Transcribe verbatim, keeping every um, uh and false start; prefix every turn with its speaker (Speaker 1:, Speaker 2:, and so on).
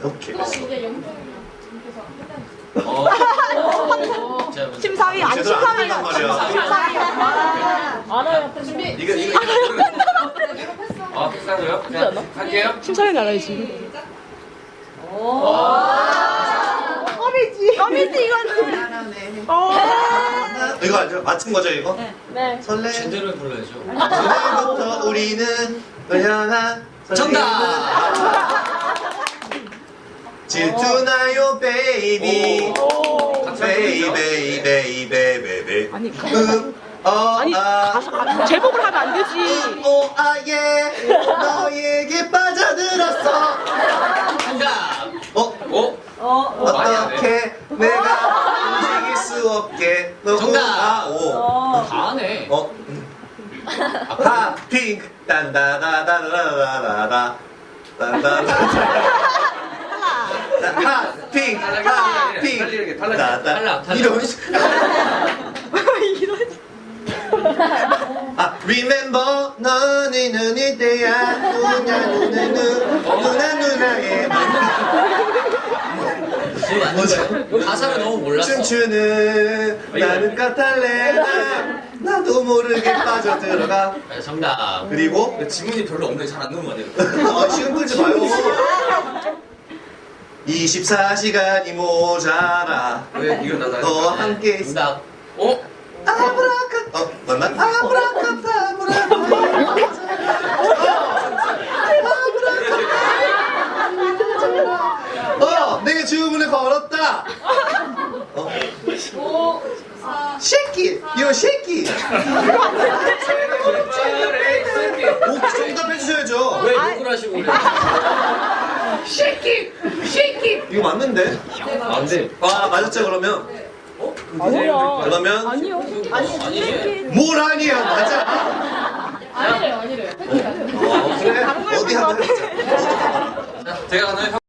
Speaker 1: 오케이.
Speaker 2: 이제 영준님께서
Speaker 3: 어.
Speaker 4: 심사위 아니
Speaker 1: 제대로 안
Speaker 4: 심사위가
Speaker 1: 된단 말이야.
Speaker 4: 심사위가
Speaker 2: 알아요. 준비.
Speaker 3: 이거 이거 이거. 아 패스하고요? 그냥 할게요.
Speaker 4: 심사위는 알아야지. 껌이지. 껌이지 이거는. 어.
Speaker 1: 이거 알죠? 맞춘 거죠 이거?
Speaker 4: 네.
Speaker 1: 설레.
Speaker 3: 제대로 불러야죠.
Speaker 1: 오늘부터 우리는 널 향한
Speaker 3: 정답.
Speaker 1: 질투나요 베이비. 베이비 베이비 베이비.
Speaker 4: 아니
Speaker 1: 어,
Speaker 4: 아니
Speaker 1: 아,
Speaker 4: 가사 아, 제목을 하면 안 되지.
Speaker 1: 오, 아, 예. 너에게 빠져들었어.
Speaker 3: 정답.
Speaker 1: 어?
Speaker 3: 오.
Speaker 4: 어.
Speaker 3: 많이 안
Speaker 1: 어떻게 내가 움직일 수 없게. 너,
Speaker 3: 정답.
Speaker 1: 아, 오.
Speaker 3: 다 하네.
Speaker 1: 어? 하, 핑크. 딴다다다다다다다. 딴다다다. 하, 핑크. 하, 핑크.
Speaker 3: 달리게, 달리게.
Speaker 1: 따다.
Speaker 3: 달라, 달라.
Speaker 1: 이런 식. 아, remember 너는 눈일 때야 누나 누나 누 누나 누나의
Speaker 3: 지금 안 거예요? 가사를 너무 몰랐어.
Speaker 1: 춤추는 나는 까탈레나 나도 모르게 빠져들어가.
Speaker 3: 네, 정답.
Speaker 1: 그리고
Speaker 3: 지문이 별로 없는데 잘 안 넣은 거 같아요.
Speaker 1: 아, 시간 끌지 마요. 이십사 시간이 모자라.
Speaker 3: 왜 이건 나도
Speaker 1: 너와 함께 있어.
Speaker 3: 정답. 어?
Speaker 1: 아브라카 어 맞나? 아브라카타브라. 어 내가 주문을 걸었다. 어
Speaker 2: 오, 사,
Speaker 1: 쉐키 요 쉐키. 오 정답 해주셔야죠.
Speaker 3: 왜 욕을 하시고 그래?
Speaker 1: 쉐키 쉐키 이거 맞는데?
Speaker 3: 안 돼.
Speaker 1: 아 맞았죠 그러면?
Speaker 4: 아니요.
Speaker 1: 그러면
Speaker 4: 아니요.
Speaker 3: 아니지.
Speaker 1: 뭘 아니야 맞아.
Speaker 2: 아니래요, 아니래요.
Speaker 1: 어, 그래 어디 한번 해보자.
Speaker 3: 제가 가나요?